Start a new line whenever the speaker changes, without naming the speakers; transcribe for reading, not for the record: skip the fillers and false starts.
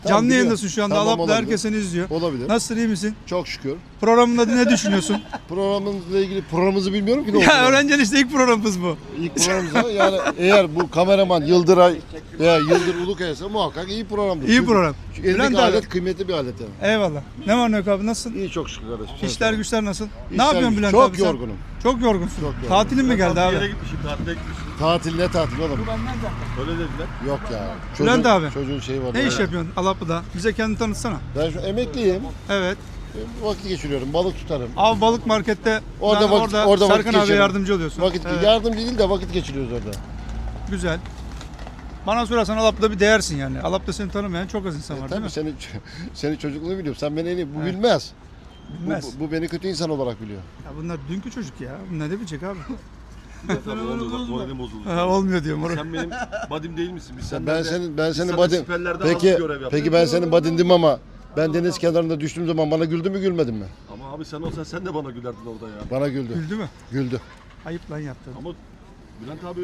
Canlı
biliyorum.
yayındasın şu anda.
Tamam,
Alap'ta
olabilir.
herkes seni izliyor.
Olabilir.
Nasılsın, iyi misin?
Çok şükür.
Programın adı ne düşünüyorsun?
Programımızla ilgili programımızı bilmiyorum ki ne
Ya
olduğunu.
öğrencinin işte ilk programımız bu.
İlk programımızda yani eğer bu kameraman Yıldıray veya Yıldır Ulukaya'sa muhakkak iyi programdır.
İyi program.
Çünkü elindeki
Bülent abi.
alet kıymetli bir alet yani.
Eyvallah. Ne var ne yok abi, nasılsın?
İyi çok şükür kardeşim.
İşler güçler nasıl? Ne
İşler
yapıyorsun
güç-
Bülent
çok
abi sen?
yorgunum.
Çok yorgunsun.
Çok yorgunum.
Tatilin mi geldi abi?
gitmişim, tatile gitmişim.
Tatil ne tatil oğlum?
Öyle dediler.
Yok ya.
Bülent abi.
Çocuğun şeyi var.
Ne iş yapıyorsun Alaplı'da? Bize kendini tanıtsana.
Ben şu emekliyim.
Evet.
Vakit geçiriyorum. Balık tutarım.
Av balık markette
Orada
yani
vakit- orada vakit
Serkan abiye
geçirelim.
yardımcı oluyorsun.
Vakit
Evet,
yardımcı değil de vakit geçiriyoruz orada.
güzel. Bana sorarsan Alap'ta bir değersin yani. Alap'ta seni tanımayan çok az insan var değil
Tabii
mi?
senin çocukluğunu biliyorum. Sen beni en iyi. Bu
Evet.
bilmez.
Bilmez.
Bu beni kötü insan olarak biliyor.
Ya bunlar dünkü çocuk ya. Bu ne de bilecek abi?
Tabii olmuyor, bak moralim bozuldu.
Ha, olmuyor diyorum. Orada.
Sen benim badim değil misin? Biz
Ben
seninle
senin
biz seninle
badin.
siperlerde az
Peki
görev yaptık.
peki ben senin badindim ama ben deniz kenarında düştüğüm zaman bana güldü mü gülmedin mi?
Ama abi sen olsan sen de bana gülerdin orada ya.
Bana güldü.
Güldü mü?
Güldü.
Ayıp lan yaptın.
Ama Bülent abi